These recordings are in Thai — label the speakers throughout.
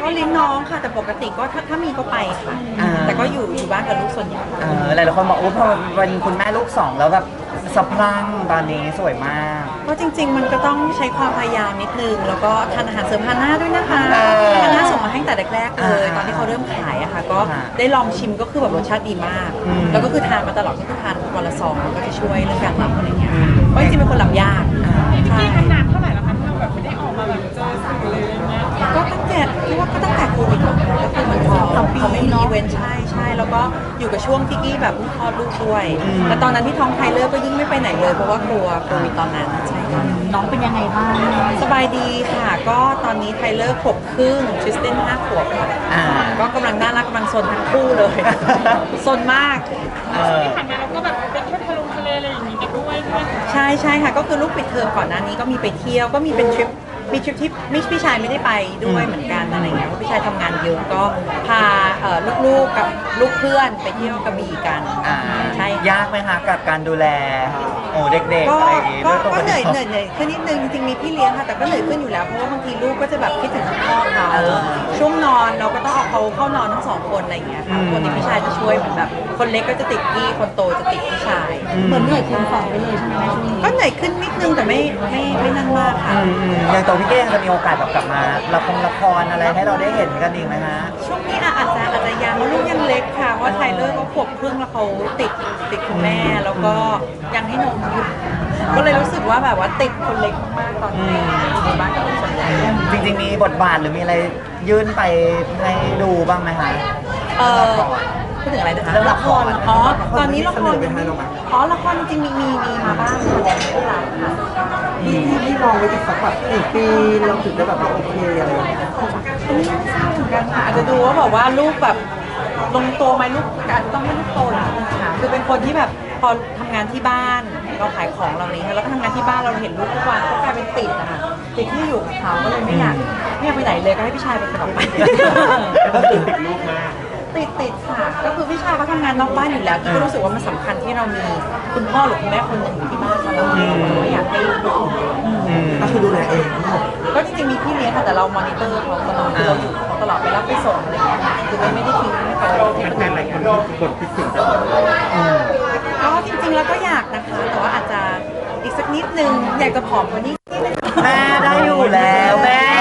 Speaker 1: เลี้ยงน้องค่ะแต่ปกติก็ถ้ามีก็ไปค่ะแต่ก็อยู่บ้านกับลูกส่วนใหญ่
Speaker 2: หลายคนบอกพอวันคุณแม่ลูกสองแล้วแบบสะพรั่งตอนนี้สวยมาก
Speaker 1: ก็จริงๆมันก็ต้องใช้ความพยายามนิดนึงแล้วก็ทานอาหารเสริมฮาน่าด้วยนะคะฮาน่าส่งมาให้แต่แรกๆเลยตอนที่เขาเริ่มขายอะค่ะก็ได้ลองชิมก็คือแบบรสชาติดีมากแล้วก็คือทานมาตลอดก็คือทานวันละซองมันก็จะช่วยเรื่องการหลับอะไรเงี้ยเพราะจริงๆเป็นคนหลับยาก
Speaker 3: ใช่นานเท่าไหร่แล้วคะที่เราแบบไม่ได้ออกมาแบบเจอสื่อเลยอย่างเงี้ย
Speaker 1: ก็ตั้งแต่ที่ว่าก็ตั้งแต่โควิดก็คือเหมือนเขาไม่มีอีเวนต์ใช่แล้วก็อยู่กับช่วงที่กี้แบบคลอดลูกด้วยแต่ตอนนั้นที่ท้องไทเลอร์ก็ยิ่งไม่ไปไหนเลยเพราะว่ากลัวโควิดตอนนั้นใช่ค่ะ
Speaker 4: น้องเป็นยังไงบ้าง
Speaker 1: สบายดีค่ะก็ตอนนี้ไทเลอร์ขวบครึ่งทริสติน5 ขวบค่ะก็กำลังน่ารักกำลังซนทั้งคู่เลยซนมาก
Speaker 3: ที่ผ่านมาเราก็แบบเป็นแค่ทะเลอะไรอย่างงี้กันด้วย
Speaker 1: ใช่ค่ะก็คือลูกปิดเทอมก่อนหน้านี้ก็มีไปเที่ยวก็มีเป็นทริปที่พี่ชายไม่ได้ไปด้วยเหมือนกันอะไรเงี้ยเพราะพี่ชายทำงานเยอะก็พาลูกๆกับลูกเพื่อนไปเที่ยวกระบี่กันใช่
Speaker 2: ยากไหมคะกับการดูแลเด็กๆอะไรอย่างงี้
Speaker 1: ก็เหนื่อยขึ้นนิดนึงจริงๆมีพี่เลี้ยงค่ะแต่ก็เหนื่อยขึ้นอยู่แล้วเพราะว่าบางทีลูกก็จะแบบคิดถึงพ่อเขาช่วงนอนเราก็ต้องเอาเขาเข้านอนทั้ง2 คนอะไรเงี้ยค่ะคนที่พี่ชายจะช่วยเหมือนแบบคนเล็กก็จะติดกี้คนโตจะติดพี่ชาย
Speaker 4: เหมือนเหนื่อยคูณ2ไปเลยใช่ไหมช่วงนี้
Speaker 1: ก็เหนื่อยขึ้นนิดนึงแต่ไม่นั่นมากค่ะ
Speaker 2: อย่างตัวพี่เก้จะมีโอกาสแบบกลับมาละครอะไรให้เราได้เห็นกันอีกไหมฮะ
Speaker 1: ช่วงนี้อาจจะยังเพราะลูกยังเล็กค่ะเพราะไทเลอร์ก็ขวบครึ่งแล้วเขาติดคุณแม่แล้วก็ยังให้นมอยู่ก็เลยรู้สึกว่าแบบว่าติดคนเล็กมากๆตอนนี้อยู่บ้านกับลูกส่วนใหญ่
Speaker 2: จริงๆมีบทบาทหรือมีอะไรยื่นไปให้ดูบ้างไหมคะ
Speaker 1: พูดถึงอะไรนะคะ
Speaker 2: ละคร
Speaker 1: ตอนนี้ละครละครจริงๆมีมาบ้างแต่ไม่หลายค่ะ
Speaker 5: ที่ลองไว้อีกสักแบบ1 ปีเราถึงจะแบบโอเคอะไรอย่างเงี้ย
Speaker 1: อันนี้ไม่ทราบเหมือนกันค่ะอาจจะดูว่าแบบว่าลูกแบบลงตัวไหมลูกอาจจะต้องให้ลูกโตหน่อยค่ะคือเป็นคนที่แบบพอทำงานที่บ้านเราขายของเราเนี่ยแล้วก็ทำงานที่บ้านเราเห็นลูกทุกวันก็กลายเป็นติดอะค่ะติดที่อยู่กับเขาก็เลยไม่อยากไปไหนเลยก็ให้พี่ชายไปตลอดไป
Speaker 5: ก็ติดลูกมาก
Speaker 1: ติดค่ะก็คือพี่ชายเขาทำงานนอกบ้านอยู่แล้วก็รู้สึกว่ามันสำคัญที่เรามีคุณพ่อหรือคุณแม่คนหนึ่งอยู่ที่บ้านเราไม่อยากให้ลูก
Speaker 5: ก็คือดูแลเอง
Speaker 1: ก็จริงๆมีพี่เลี้ยงค่ะแต่เรามอนิเตอร์เขาตลอดเราอยู่เขาตลอดไปรับไปส่งอะไรอย่างเงี้ยคือไม่ได้ทิ้งให้เขา
Speaker 5: แฟนหลายคนบ่นคิดถึงจัง
Speaker 1: ก็จริงๆแล้วก็อยากนะคะแต่ว่าอาจจะอีกสักนิดนึงอยากจะผอมกว่านี้
Speaker 2: แม่ได้อยู่แล้วแม่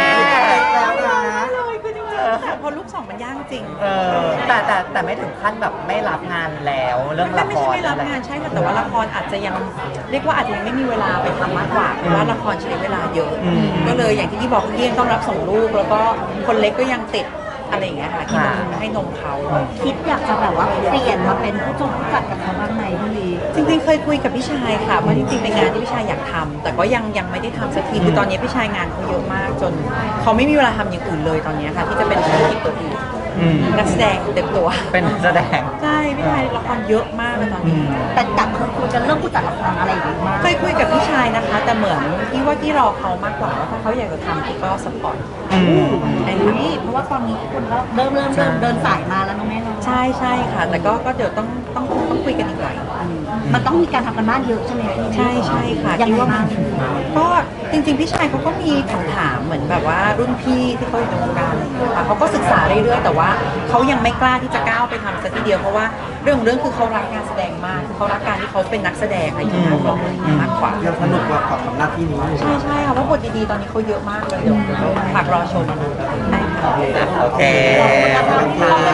Speaker 1: พอลูก2มันยากจริง
Speaker 2: แต่ไม่ถึงขั้นแบบไม่รับงานแล้วเรื่องละคร
Speaker 1: ไม่รับงานใช่ค่ะแต่ว่าละครอาจจะยังเรียกว่าอาจจะยังไม่มีเวลาไปทำมากกว่าเพราะว่าละครใช้เวลาเยอะก็เลยอย่างที่บอกพี่ยังต้องรับส่งลูกแล้วก็คนเล็กก็ยังติดอะไรอย่างเงี้ยค่ะที่มันให้นมเขา
Speaker 4: คิดอยากจะแบบว่าเปลี่ยนมาเป็นผู้จัดกับเขาบ้างไหมพี่ลี
Speaker 1: จริงๆเคยคุยกับพี่ชายค่ะเพราะจริงๆเป็นงานที่พี่ชายอยากทำแต่ก็ยังไม่ได้ทำสักทีคือตอนนี้พี่ชายงานเขาเยอะมากจนเขาไม่มีเวลาทำอย่างอื่นเลยตอนนี้ค่ะที่จะเป็นธุรกิจตัวอื่นนักแสดงเต็มตัว
Speaker 2: เป็นนักแสดง
Speaker 1: ใช่พี่ชายละครเยอะมากเลยตอนนี้
Speaker 4: แต่กับคุยกันเรื่องผู้จัดละครอะไรอย่างเงี้ย
Speaker 1: เคยคุยกับพี่ชายนะคะแต่เหมือนที่รอเขามากกว่าว่าถ้าเขาอยากจะทำก็สปอร์ต
Speaker 4: ไอ้นี่เพราะว่าตอนนี้คนก็เริ่มเดินสายมาแล้วน้องแม่เนาะ
Speaker 1: ใช่ค่ะแต่ก็เดี๋ยวต้องคุยกันอีกหน่อย
Speaker 4: มันต้องมีการทำกันบ้านเยอะใช่ไหมพี่
Speaker 1: ใช่ค่ะ
Speaker 4: ยังว่ามัน
Speaker 1: ก็จริงๆพี่ชายเขาก็มีคำถามเหมือนแบบว่ารุ่นพี่ที่เขาอยู่ในวงการค่ะเขาก็ศึกษาเรื่อยๆแต่ว่าเขายังไม่กล้าที่จะก้าวไปทำสักทีเดียวเพราะว่าเรื่องคือเขารักงานแสดงมากคือเขารักการที่เขาเป็นนักแสดงอะไรอย่างเงี้ยมากกว่า
Speaker 5: ยังสนุกกว่ากับหน้าที่นี้
Speaker 1: ใช่ค่ะเพราะบทดีๆตอนนี้เขาเยอะมากเลยเดี๋ยวฝากรอชม
Speaker 2: โอเค